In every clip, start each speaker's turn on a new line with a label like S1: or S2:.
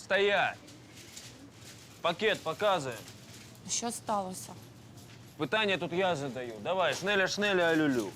S1: Стоять! Пакет показує.
S2: Що сталося?
S1: Питання тут я задаю. Давай, шнеля-шнеля, алюлю.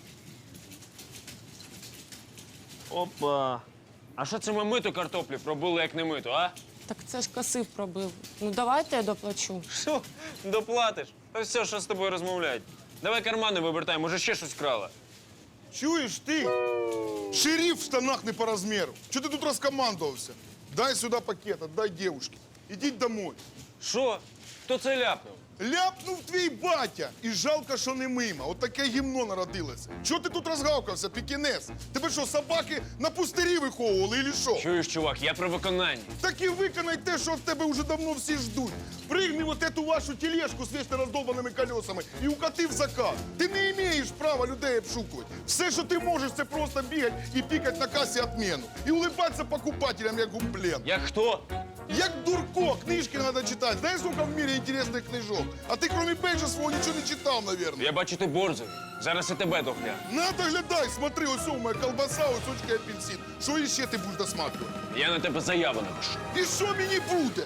S1: Опа. А що це ми миту картоплі пробили, як не миту, а?
S2: Так це ж касив пробив. Ну давайте я доплачу.
S1: Що? Доплатиш? Та все, що з тобою розмовляють. Давай кармани вивертай, може ще щось крала.
S3: Чуєш ти? Шериф в штанах не по розміру. Чого ти тут розкомандувався? Дай сюди пакет, отдай девушке. Ідіть домой.
S1: Що? Хто це ляпнув?
S3: Ляпнув твій батя. І жалко, що не мимо. От таке гімно народилося. Чого ти тут розгавкався, пікінес? Тебе що, собаки на пустирі виховували, или що?
S1: Чуєш, чувак, я про виконання.
S3: Так і виконай те, що від тебе вже давно всі ждуть. Пригни вот эту вашу тележку з вечно роздолбаними колесами і укати в закат. Ти не маєш права людей обшукувати. Все, що ти можеш, це просто бігати і пікати на касі відміну. І улибатися покупателям, як гумплен.
S1: Як хто?
S3: Як дурко, книжки треба читати. Знаєш, сколько в мірі інтересних книжок? А ти, крім бейджа свого, нічого не читав, мабуть.
S1: Я бачу, ти борзий. Зараз і тебе догляну.
S3: Надо глядай, смотри, ось у мене колбаса, ось очка апельсин. Що іще ти будеш досматривати?
S1: Я на тебе заяву напишу.
S3: І що мені буде?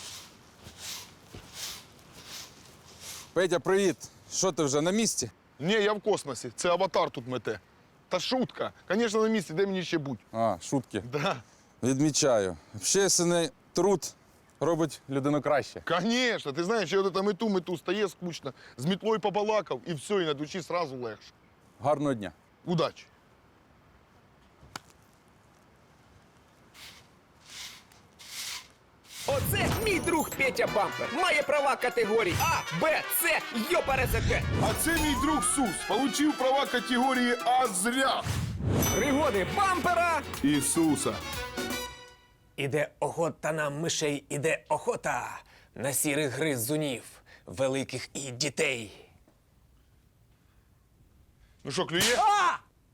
S4: Петя, привіт. Що ти вже на місці?
S3: Ні, я в космосі. Це аватар тут мете. Та шутка. Звісно, на місці, де мені ще будь.
S4: А, шутки.
S3: Да.
S4: Відмічаю. Общественний труд робить людину краще.
S3: Конечно, ти знаєш, я там мету стає скучно, з мітлою побалакав, і все, і на душі сразу легше.
S4: Гарного дня.
S3: Удачі.
S5: Оце мій друг Петя Бампер. Має права категорій А, Б, С, ЙОПРЗК.
S3: А це мій друг Сус. Получив права категорії А зря.
S5: Пригоди бампера.
S3: Ісуса.
S5: Іде охота на мишей, іде охота на сірих гризунів, великих і дітей.
S3: Ну що, клює?
S5: А!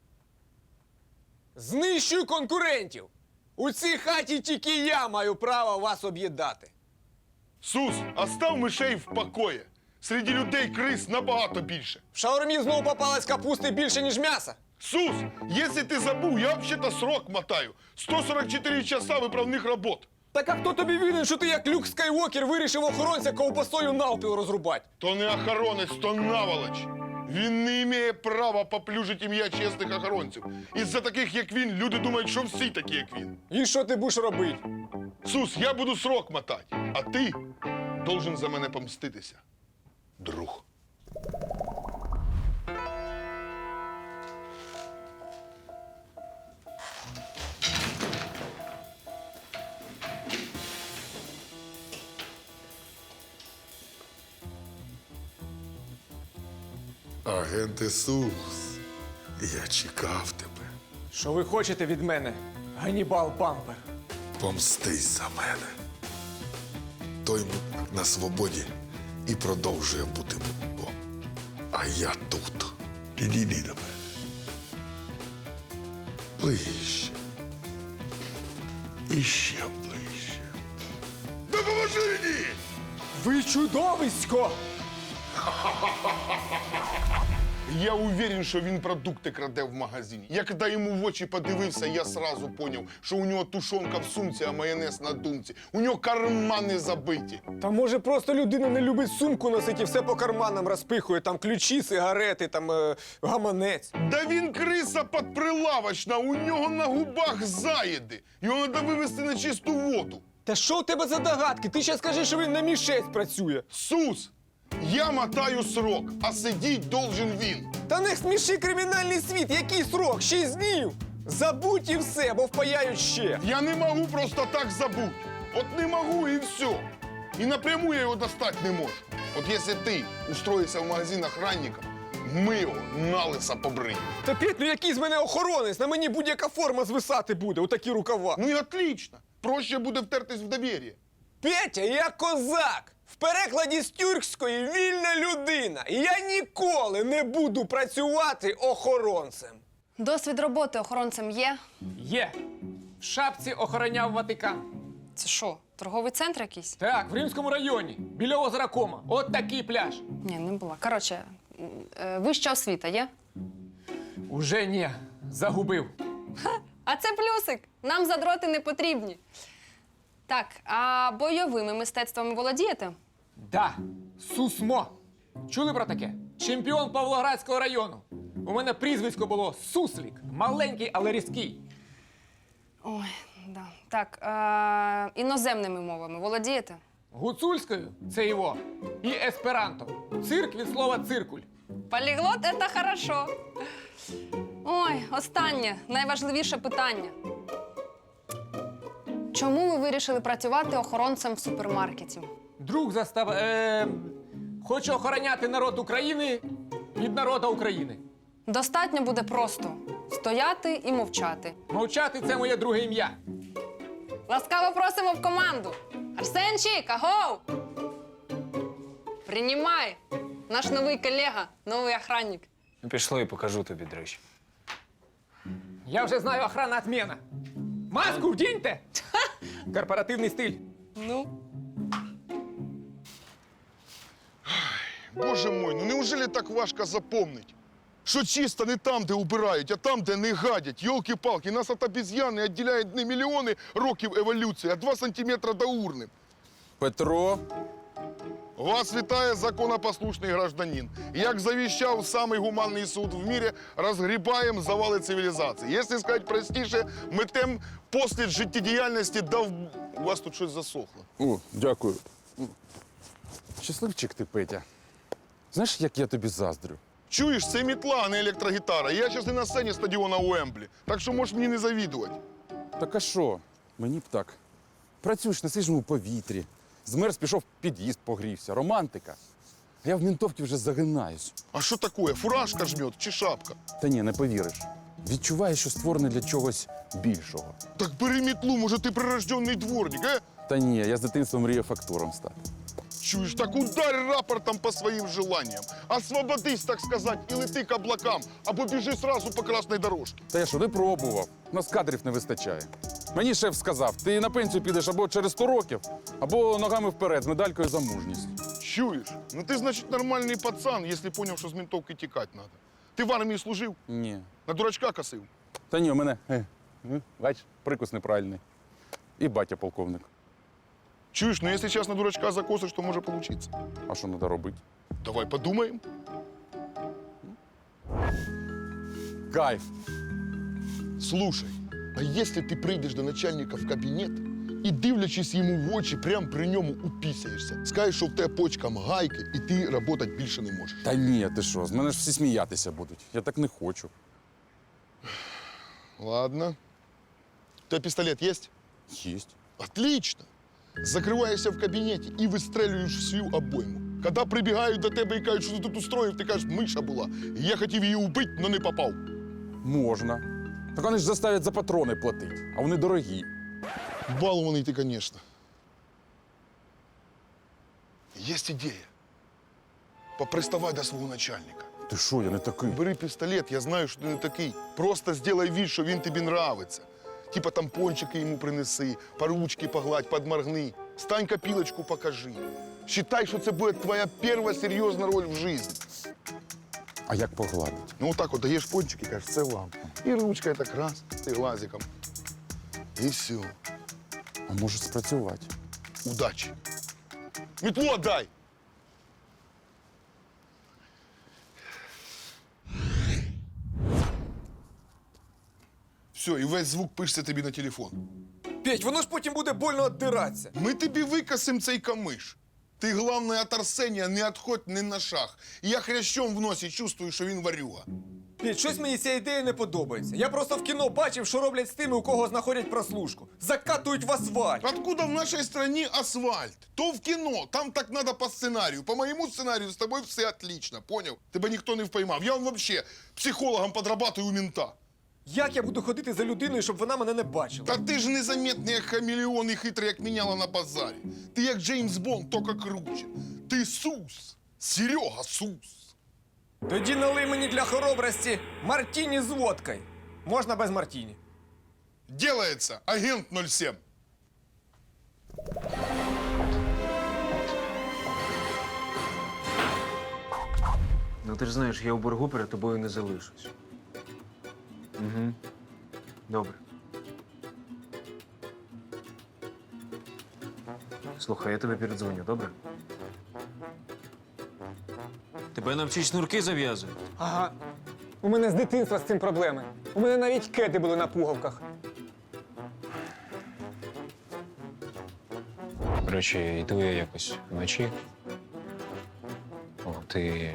S5: Знищую конкурентів. У цій хаті тільки я маю право вас об'їдати.
S3: Сус, остав мишей в покої. Серед людей крис набагато більше.
S5: В шаурмі знову попалась капусти більше, ніж м'яса.
S3: Сус, якщо ти забув, я взагалі срок мотаю. 144 часа виправних робот.
S5: Так а хто тобі винен, що ти як Люк Скайуокер вирішив охоронця ковбасою навпіл розрубати?
S3: То не охоронець, то наволоч. Він не має права поплюжити ім'я чесних охоронців. Із-за таких, як він, люди думають, що всі такі, як він.
S5: І що ти будеш робити?
S3: Сус, я буду срок мотати, а ти должен за мене помститися, друг. Агент Ісус, я чекав тебе.
S5: Що ви хочете від мене, Ганнібал Бампер?
S6: Помстись за мене. Той мудак на свободі і продовжує бути мудаком. А я тут. Підійди до мене. Ближче. І ще ближче. Допоможи мені!
S5: Ви чудовисько!
S3: Я уверен, що він продукти краде в магазині. Я коли йому в очі подивився, я сразу поняв, що у нього тушонка в сумці, а майонез на думці. У нього кармани забиті.
S5: Та може просто людина не любить сумку носити і все по карманам розпихує, там ключі, сигарети, там гаманець.
S3: Да він криса подприлавочна, у нього на губах заїди. Його треба вивезти на чисту воду.
S5: Та що у тебе за догадки? Ти ще скажи, що він на мішець працює.
S3: Сус, я мотаю срок, а сидіть должен він.
S5: Та не сміши кримінальний світ, який срок? 6 днів! Забудь і все, бо впаяють ще.
S3: Я не можу просто так забути. От не можу і все. І напряму я його достати не можу. От якщо ти устроїшся в магазин охранником, ми його налиса побриємо.
S5: Та Петь, ну який з мене охоронець? На мені будь-яка форма звисати буде, отакі рукава.
S3: Ну і отлично. Проще буде втертись в довір'я.
S5: Петя, я козак! В перекладі з тюркської вільна людина. І я ніколи не буду працювати охоронцем.
S7: Досвід роботи охоронцем є?
S5: Є. В шапці охороняв Ватикан.
S7: Це що, торговий центр якийсь?
S5: Так, в Римському районі, біля озера Кома. От такий пляж.
S7: Ні, не була. Коротше, вища освіта є?
S5: Уже ні, загубив.
S7: А це плюсик. Нам задроти не потрібні. Так, а бойовими мистецтвами володієте?
S5: Да, Сусмо. Чули про таке? Чемпіон Павлоградського району. У мене прізвисько було Суслік. Маленький, але різкий.
S7: Ой, да. Так, іноземними мовами володієте?
S5: Гуцульською це його. І есперанто. Цирк від слова циркуль.
S7: Поліглот – це хорошо. Ой, останнє, найважливіше питання. Чому ви вирішили працювати охоронцем в супермаркеті?
S5: Друг застав. Хочу охороняти народ України від народу України.
S7: Достатньо буде просто стояти і мовчати.
S5: Мовчати це моє друге ім'я.
S7: Ласкаво просимо в команду. Арсенчик, агоу! Приймай! Наш новий колега, новий охранник.
S1: Ну, пішли і покажу тобі, до речі.
S5: Я вже знаю, охрана отмена. Маску вдіньте! Корпоративний стиль.
S7: Ну?
S3: Боже мой, ну неужели так важко запомнить? Що чисто не там, де убирають, а там, де не гадять. Йолки-палки, нас від обезьяни відділяють не мільйони років еволюції, а 2 сантиметра до урни.
S4: Петро,
S3: Вас вітає законопослушний гражданин. Як завіщав самий гуманний суд в мірі, розгрібаємо завали цивілізації. Якщо сказати простіше, метем послід життєдіяльності дав... У вас тут щось засохло.
S4: о, дякую. Щасливчик ти, Петя. Знаєш, як я тобі заздрю?
S3: Чуєш, це мітла, а не електрогітара. Я зараз не на сцені стадіона Уемблі, так що можеш мені не завідувати.
S4: Так а що? Мені б так. Працюєш на свіжому повітрі. Змерз, пішов в під'їзд, погрівся. Романтика. А я в ментовці вже загинаюсь.
S3: А що таке? Фуражка жмет чи шапка?
S4: Та ні, не повіриш. Відчуваю, що створений для чогось більшого.
S3: Так бери мітлу, може ти прирожденний дворник,
S4: Та ні, я з дитинства мріяв фактуром стати.
S3: Чуєш, так ударь рапортом по своїм желанням. Освободись, так сказать, і лети к облакам, або біжи сразу по красной дорожці.
S4: Та я що, не пробував. У нас кадрів не вистачає. Мені шеф сказав, ти на пенсію підеш або через 100 років, або ногами вперед з медалькою за мужність.
S3: Чуєш? Ну ти, значить, нормальний пацан, якщо поняв, що з ментовки тікати треба. Ти в армії служив?
S4: Ні.
S3: На дурачка косив?
S4: Та ні, у мене, бач, прикус неправильний. І батя полковник.
S3: Чуєш, ну якщо зараз на дурачка закосиш, то може получиться.
S4: А що треба робити?
S3: Давай подумаємо.
S4: Кайф.
S3: Слушай, а якщо ти прийдеш до начальника в кабінет і, дивлячись йому в очі, прямо при ньому упісяєшся, скажеш, що в тебе почкам гайки, і ти працювати більше не можеш.
S4: Та ні, ти що, з мене ж всі сміятися будуть. Я так не хочу.
S3: Ладно. У тебе пістолет є?
S4: Єсть.
S3: Отлично. Закриваєшся в кабінеті і вистрелюєш всю обойму. Коли прибігають до тебе і кажуть, що ти тут устроїв, ти кажеш, миша була. Я хотів її убити, але не попав.
S4: Можна. Так вони ж заставлять за патрони платити, а вони дорогі.
S3: Балований ти, звісно. Є ідея. Поприставай до свого начальника.
S4: Ти що, я не такий?
S3: Бери пістолет, я знаю, що ти не такий. Просто зроби вид, що він тобі нравиться. Типа тампончики йому принеси, по ручки погладь, подморгни. Стань копілочку покажи. Считай, що це буде твоя перша серйозна роль в житті.
S4: А як погладить?
S3: Ну, отак от даєш пончик і кажеш, це вам. І ручкою так раз, і глазиком. І все.
S4: А може спрацювати?
S3: Удачі. Метлу отдай! Все, і весь звук пишеться тобі на телефон.
S5: Петь, воно ж потім буде больно віддиратися.
S3: Ми тобі викосим цей камиш. Ти, головне, від Арсенія не відходь ні на шаг. І я хрящом в носі чувствую, що він варюга.
S5: Петь, щось мені ця ідея не подобається. Я просто в кіно бачив, що роблять з тими, у кого знаходять прослушку. Закатують в асфальт.
S3: Откуда в нашей стране асфальт? То в кино, там так надо по сценарию. По моему сценарию с тобой все отлично, понял? Тебе ніхто не впоймав. Я вообще психологом подрабатываю у мента.
S5: Як я буду ходити за людиною, щоб вона мене не бачила?
S3: Та ти ж незаметний, як хамелеон і хитрий, як міняла на базарі. Ти як Джеймс Бонд, тільки круче. Ти Сус. Серега Сус.
S5: Тоді налий мені для хоробрості мартіні з водкою. Можна без мартіні.
S3: Делается, агент 07.
S1: Ну ти ж знаєш, я у боргу перед тобою не залишусь. Угу. Добре. Слухай, я тобі передзвоню, добре? Тебе навчить шнурки зав'язують.
S5: Ага. У мене з дитинства з цим проблеми. У мене навіть кети були на пуговках.
S1: До речі, йду я якось вночі. О, ти.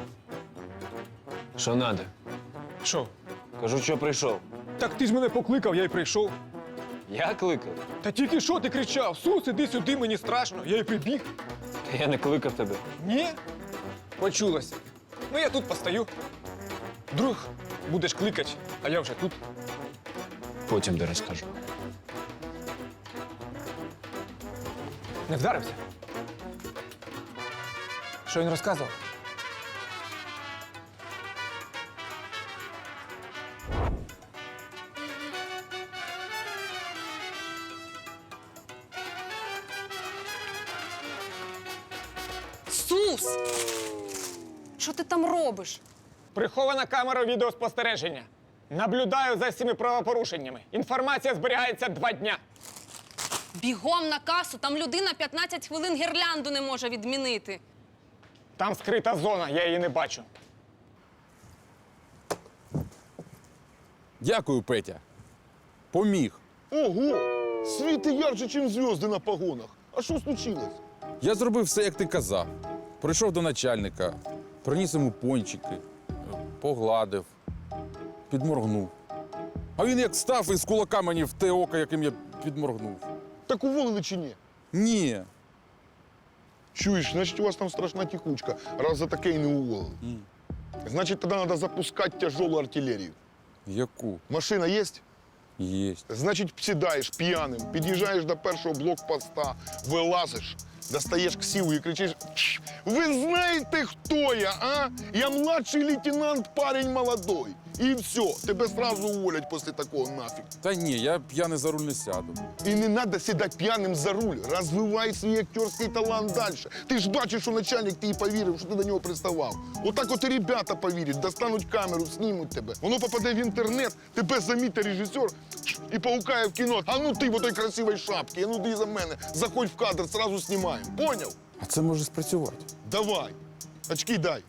S1: Що надо?
S5: Що?
S1: Кажу, що прийшов.
S5: Так ти ж мене покликав, я й прийшов.
S1: Я кликав.
S5: Та тільки що ти кричав? Сус, іди сюди, мені страшно. Я й прибіг.
S1: Та я не кликав тебе.
S5: Ні? Почулося. Ну я тут постою. Друг, будеш кликати, а я вже тут.
S1: Потім де розкажу.
S5: Не вдарився? Що він розказував?
S7: Сус! Що ти там робиш?
S5: Прихована камера відеоспостереження. Наблюдаю за всіми правопорушеннями. Інформація зберігається 2 дня.
S7: Бігом на касу, там людина 15 хвилин гірлянду не може відмінити.
S5: Там скрита зона, я її не бачу.
S4: Дякую, Петя. Поміг.
S3: Ого! Світи ярче, ніж зв'язки на погонах. А що случилось?
S4: Я зробив все, як ти казав. Прийшов до начальника, приніс йому пончики, погладив, підморгнув. А він як став і з кулака мені в те око, яким я підморгнув.
S3: Так уволили чи ні?
S4: Ні.
S3: Чуєш, значить у вас там страшна текучка, раз за таке і не уволили. Значить, тоді треба запускати тяжелу артилерію.
S4: Яку?
S3: Машина є?
S4: Єсть.
S3: Значить, сідаєш п'яним, під'їжджаєш до першого блокпоста, вилазиш, достаєш ксиву і кричиш: «Ви знаєте, хто я, а? Я младший лейтенант, парень молодой». І все, тебе сразу уволять після такого нафіг.
S4: Та ні, я п'яний за руль не сяду.
S3: І не треба сідати п'яним за руль. Розвивай свій актерський талант далі. Ти ж бачиш, що начальник ти повірив, що ти до нього приставав. Отак от і ребята повірять, достануть камеру, знімуть тебе. Воно попаде в інтернет, тебе замітить режисер і паукає в кіно. А ну ти в отой красивій шапці, а ну ти за мене. Заходь в кадр, сразу знімаємо. Поняв?
S4: А це може спрацювати.
S3: Давай. Очки дай.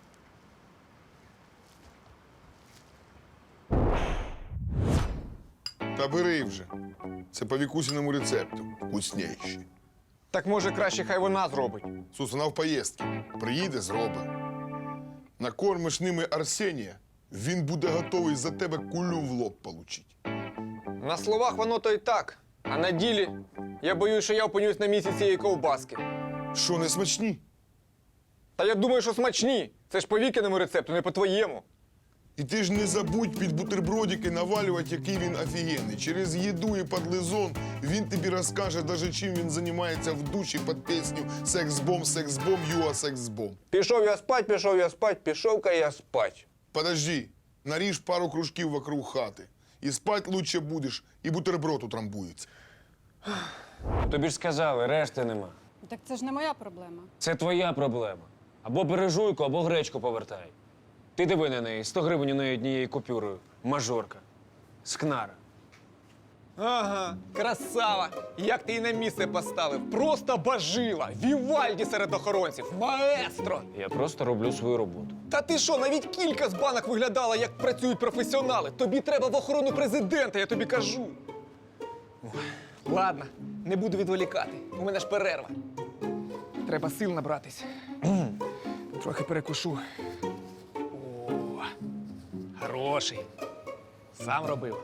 S3: Та бери вже. Це по Вікусіному рецепту. Вкусніші.
S5: Так може краще хай вона зробить.
S3: Сус, вона в поїздці. Приїде, зробить. Накормиш ними Арсенія, він буде готовий за тебе кулю в лоб получить.
S5: На словах воно то й так. А на ділі я боюсь, що я опинюсь на місці цієї ковбаски.
S3: Що, не смачні?
S5: Та я думаю, що смачні. Це ж по Вікиному рецепту, не по твоєму.
S3: І ти ж не забудь під бутербродики навалювати, який він офігенний. Через їду і подлизон він тобі розкаже, даже чим він займається в душі під пісню «Секс-бом, секс-бом, юа секс-бом».
S5: Пішов я спать, пішов-ка я спать.
S3: Подожди, наріж пару кружків вокруг хати. І спать лучше будеш, і бутерброд утрамбується.
S1: Тобі ж сказали, решти нема.
S2: Так це ж не моя проблема.
S1: Це твоя проблема. Або бери жуйку, або гречку повертай. Ти диви на неї, 100 гривень у неї однією купюрою. Мажорка. Скнара.
S5: Ага, красава! Як ти її на місце поставив? Просто бажила! Вівальді серед охоронців! Маестро!
S1: Я просто роблю свою роботу.
S5: Та ти що, навіть кілька з банок виглядала, як працюють професіонали. Тобі треба в охорону президента, я тобі кажу. Ой, ладно, не буду відволікати. У мене ж перерва. Треба сил набратись. Трохи перекушу. О, хороший. Сам робив.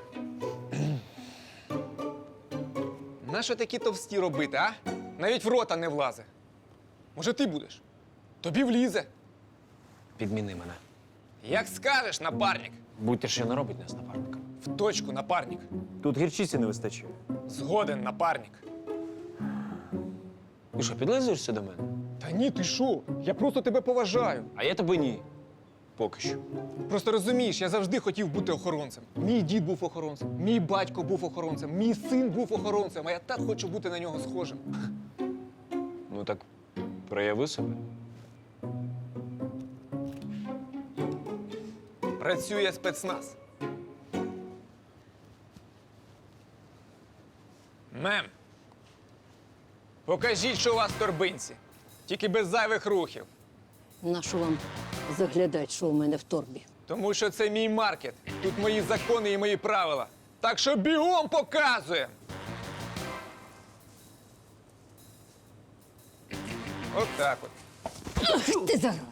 S5: Нащо такі товсті робити, а? Навіть в рота не влазе. Може, ти будеш? Тобі влізе.
S1: Підміни мене.
S5: Як скажеш, напарник.
S1: Будьте ще не робить нас напарником.
S5: В точку, напарник.
S1: Тут гірчиці не вистачає.
S5: Згоден, напарник.
S1: Ти що, підлизуєшся до мене?
S5: Та ні, ти що? Я просто тебе поважаю.
S1: А я тебе ні. Поки що.
S5: Просто розумієш, я завжди хотів бути охоронцем. Мій дід був охоронцем, мій батько був охоронцем, мій син був охоронцем, а я так хочу бути на нього схожим.
S1: Ну так прояви себе.
S5: Працює спецназ. Мем. Покажіть, що у вас в торбинці. Тільки без зайвих рухів.
S8: Нащо вам заглядати, що у мене в торбі?
S5: Тому що це мій маркет. Тут мої закони і мої правила. Так що бігом показуємо. От так от.
S8: Ах, ти зараза!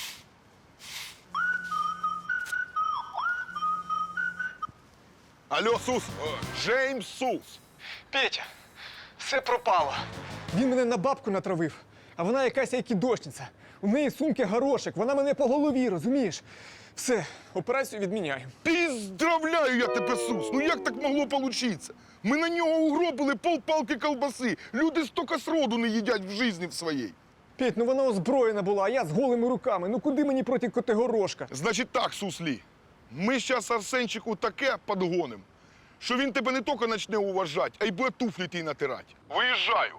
S3: Алло, Сус, Джеймс Сус.
S5: Петя, все пропало. Він мене на бабку натравив, а вона якась айкідошниця. У неї сумки горошек, вона мене по голові, розумієш? Все, операцію відміняємо.
S3: Піздравляю я тебе, Сус. Ну як так могло получиться? Ми на нього угробили полпалки колбаси. Люди стільки сроду не їдять в житті в своїй.
S5: Петь, ну вона озброєна була, а я з голими руками. Ну куди мені проти Котигорошка?
S3: Значить так, Суслі, ми зараз Арсенчику таке подгоним, що він тебе не тільки почне уважати, а й буде туфлі ті натирати. Виїжджаю.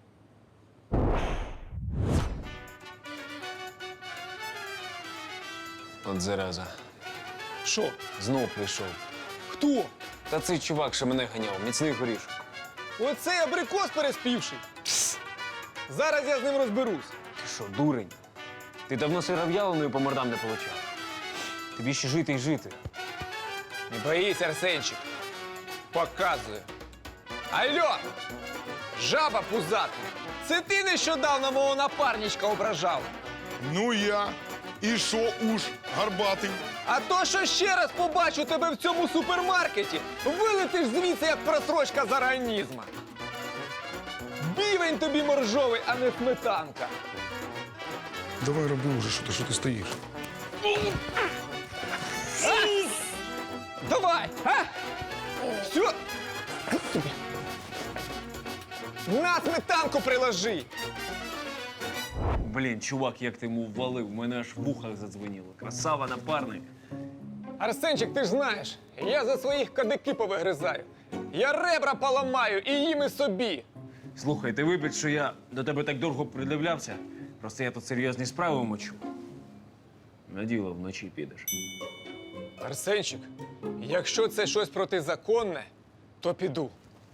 S1: От зараза.
S5: Що?
S1: Знов прийшов.
S5: Хто?
S1: Та цей чувак, що мене ганяв, міцний горішок.
S5: Оцей абрикос переспівший. Зараз я з ним розберусь.
S1: Ти що, дурень? Ти давно сиров'яленою по мордам не получав. Тобі ще жити й жити.
S5: Не боїсь, Арсенчик. Показую. Алло! Жаба пузата! Це ти нещодавно мого напарничка ображав.
S3: Ну я. І що уж, гарбатий?
S5: А то, що ще раз побачу тебе в цьому супермаркеті, вилетиш звідси, як просрочка з організма. Бівень тобі моржовий, а не сметанка.
S3: Давай роби вже, що ти стоїш.
S5: Давай, а? Все. На сметанку приложи.
S1: Блін, чувак, як ти йому ввалив, в мене аж в ухах задзвеніло. Красава, напарник.
S5: Арсенчик, ти ж знаєш, я за своїх кадики повигризаю. Я ребра поламаю і їм і собі.
S1: Слухай, ти вибач, що я до тебе так довго придивлявся. Просто я тут серйозні справи мочу. На діло вночі підеш.
S5: Арсенчик, якщо це щось протизаконне, то піду.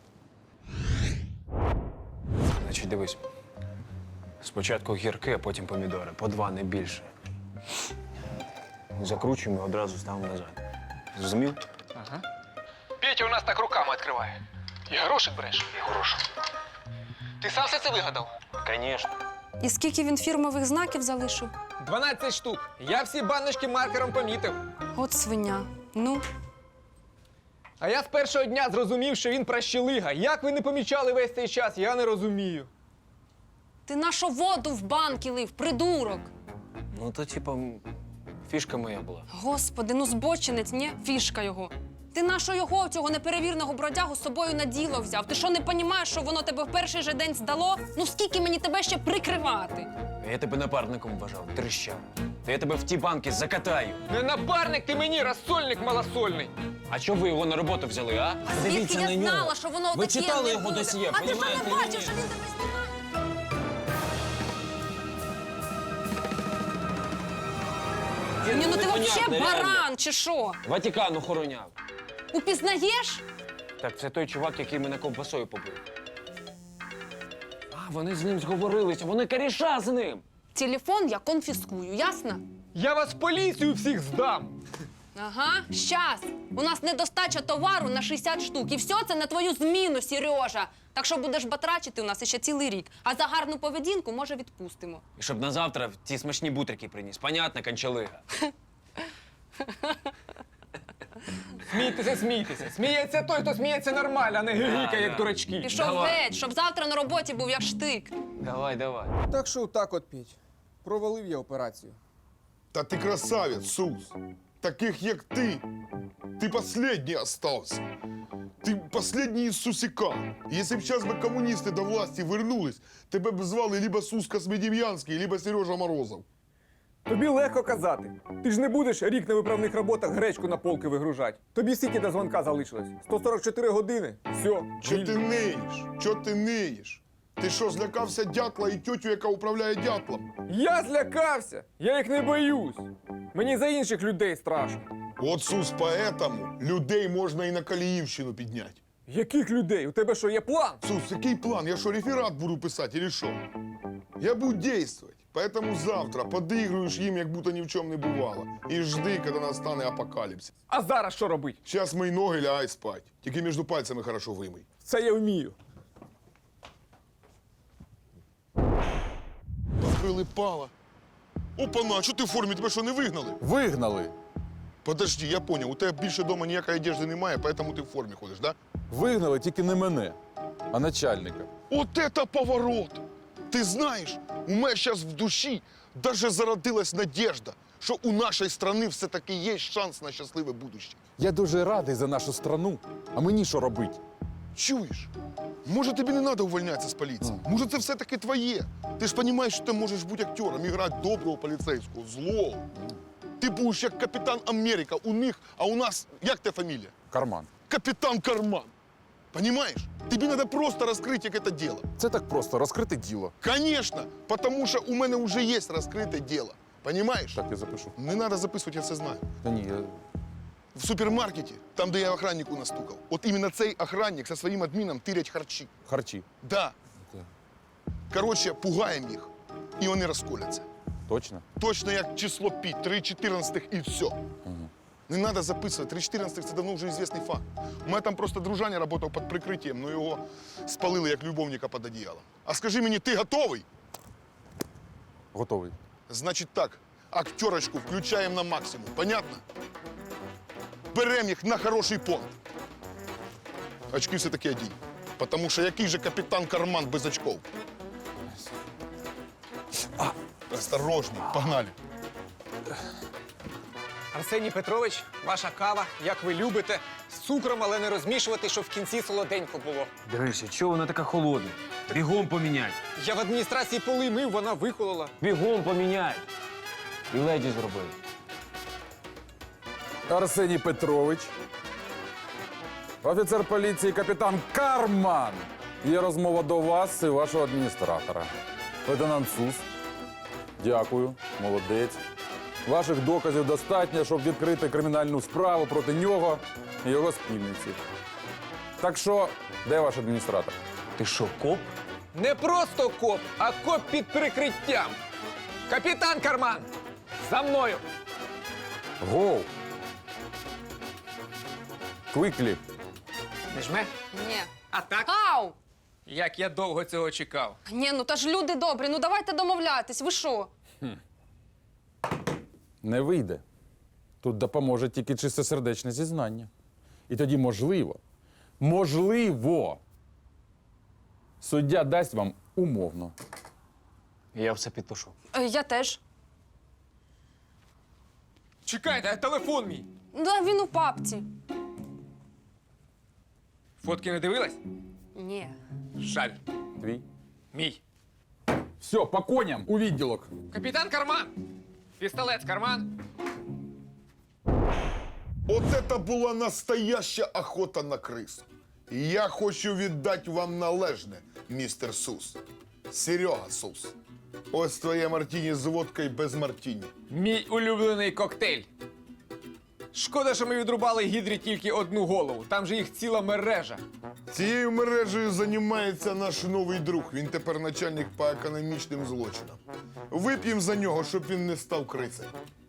S1: Значить, дивись. Спочатку гірки, а потім помідори. По 2, не більше. Закручуємо і одразу ставимо назад. Зрозумів?
S5: Ага. Петя у нас так руками відкриває. І грошик береш? І грошик. Ти сам все це вигадав?
S1: Звісно.
S7: І скільки він фірмових знаків залишив?
S5: 12 штук. Я всі баночки маркером помітив.
S7: От свиня. Ну,
S5: А я з першого дня зрозумів, що він пращелига. Як ви не помічали весь цей час, я не розумію.
S7: ти нашу воду в банки лив, придурок.
S1: Ну, то, типа, фішка моя була.
S7: Господи, ну збочинець, ні? Фішка його. Ти нащо його, цього неперевірного бродягу, з собою на діло взяв? Ти що, не розумієш, що воно тебе в перший же день здало? Ну скільки мені тебе ще прикривати?
S1: Я тебе напарником вважав, трещав. Та я тебе в ті банки закатаю.
S5: Не напарник ти мені, розсольник малосольний.
S1: А чого ви його на роботу взяли, а?
S7: А звідки я знала, що воно
S1: Ви
S7: таке
S1: читали
S7: не
S1: його
S7: буде?
S1: досьє,
S7: А ти що
S1: понімаєте,
S7: не
S1: ні?
S7: бачив, що він тебе знімає? Ні, ну ти взагалі баран, чи що?
S1: Ватикан охороняв.
S7: Упізнаєш?
S1: Так, це той чувак, який мене ковбасою побив. А, вони з ним зговорилися, вони коріша з ним.
S7: Телефон я конфіскую, ясно?
S5: Я вас в поліцію всіх здам.
S7: Ага, щас. У нас недостача товару на 60 штук. І все це на твою зміну, Сережа. Так що будеш батрачити у нас ще цілий рік. А за гарну поведінку, може, відпустимо.
S1: І щоб на завтра ті смачні бутрики приніс. Понятно, кончалига.
S5: Смійтеся, смійтеся. Сміється той, хто сміється нормально, а не гигікає, як дурачки.
S7: Пішов
S1: Давай.
S7: геть, щоб завтра на роботі був як штик.
S1: Давай, давай.
S5: Так що так от, Петь. Провалив я операцію.
S3: Та ти красавець, Сус. Таких, як ти последній остався. Ти последній із Сусіка. Якщо б зараз би комуністи до власті вернулись, тебе б звали либо Сус Космедем'янський, либо Сережа Морозов.
S5: Тобі легко казати. Ти ж не будеш рік на виправних роботах гречку на полки вигружати. Тобі скільки до дзвонка залишилось? 144 години. Все.
S3: Чо ти ниєш? Чо ти ниєш? Ти що, злякався дятла і тьотю, яка управляє дятлом?
S5: Я злякався. Я їх не боюсь. Мені за інших людей страшно.
S3: От, Сус, поэтому людей можна і на Каліївщину підняти.
S5: Яких людей? У тебе що, є план?
S3: Сус, який план? Я що, реферат буду писати, или що? Я буду действовать. Поэтому завтра подыгрываешь им, як будто ни в чем не бывало. И жди, когда настане апокалипсис.
S5: А зараз що робить?
S3: Сейчас мої ноги лягай спать. Тільки між пальцями хорошо вимий.
S5: Це я вмію.
S3: Прилипала. Опана, що ти в формі? Тебе що, не вигнали?
S4: Вигнали.
S3: Подожди, я понял. У тебе більше дома ніякої одежди немає, поэтому ти в формі ходиш, да?
S4: Вигнали тільки не мене, а начальника.
S3: Вот это поворот! Ты знаешь, у меня сейчас в душі даже зародилась надежда, що у нашої страни все-таки є шанс на щасливе будущее.
S4: Я дуже радий за нашу страну. А мені що робити?
S3: Чуєш? Може, тобі не треба увольнятися з поліції? Може, це все-таки твоє? Ти ж розумієш, що ти можеш бути актером і грати доброго поліцейського, злого. Ти будеш як Капітан Америка у них, а у нас, як те фамілія?
S4: Карман.
S3: Капітан Карман. Понимаешь? Тобі треба просто розкрити, як це діло.
S4: Це так просто розкрити діло.
S3: Конечно, потому що у мене вже є розкрите діло. Понимаешь?
S4: Так, я запишу.
S3: Не треба записувати, я все знаю.
S4: Та ні, я...
S3: В супермаркеті, там, де я охраннику настукав, от іменно цей охранник со своїм адміном тирять харчі.
S4: Харчі.
S3: Да. Коротше, пугаємо їх, і вони розколяться.
S4: Точно?
S3: Точно як число пі, 3/14 і все. Не треба записувати, 3/14 це давно вже відомий факт. У мене там просто дружаня працював під прикриттям, але його спалили як любовника під одіялом. А скажи мені, ти готовий?
S4: Готовий.
S3: Значить так, актерочку включаємо на максимум, понятно? Беремо їх на хороший понт. Очки все-таки одінь. Потому що який же Капітан Карман без очков? Осторожно, погнали.
S5: Арсеній Петрович, ваша кава, як ви любите, з цукром, але не розмішувати, щоб в кінці солоденько було.
S1: Гриша, чого вона така холодна? Бігом поміняй.
S5: Я в адміністрації поли мив, вона вихолола.
S1: Бігом поміняй. І леді зроби.
S4: Арсеній Петрович. Офіцер поліції капітан Карман. Є розмова до вас і вашого адміністратора. Лейтенант Сус. Дякую, молодець. Ваших доказів достатньо, щоб відкрити кримінальну справу проти нього і його спільниці. Так що, де ваш адміністратор?
S1: Ти що, коп?
S5: Не просто коп, а коп під прикриттям. Капітан Карман, за мною.
S4: Гоу! Квиклі.
S5: Не жме?
S7: Ні.
S5: А так?
S7: Ау!
S5: Як я довго цього чекав.
S7: Ні, ну та ж люди добрі, ну давайте домовлятись, ви що?
S4: Не вийде. Тут допоможе тільки чистосердечне зізнання. І тоді можливо, суддя дасть вам умовно.
S1: Я все підпишу.
S7: Я теж.
S5: Чекайте, а телефон мій.
S7: Да, він у папці.
S5: Фотки не дивилась?
S7: Ні.
S5: Жаль.
S4: Твій.
S5: Мій.
S4: Все, по коням у відділок.
S5: Капітан Карман. Пістолет з карман.
S3: От це була настояща охота на крису. І я хочу віддати вам належне, містер Сус. Серега Сус. Ось твоє мартіні з водкою без мартіні.
S5: Мій улюблений коктейль. Шкода, що ми відрубали гідрі тільки одну голову. Там же їх ціла мережа.
S3: Цією мережею займається наш новий друг. Він тепер начальник по економічним злочинам. Вип'ємо за нього, щоб він не став крисою.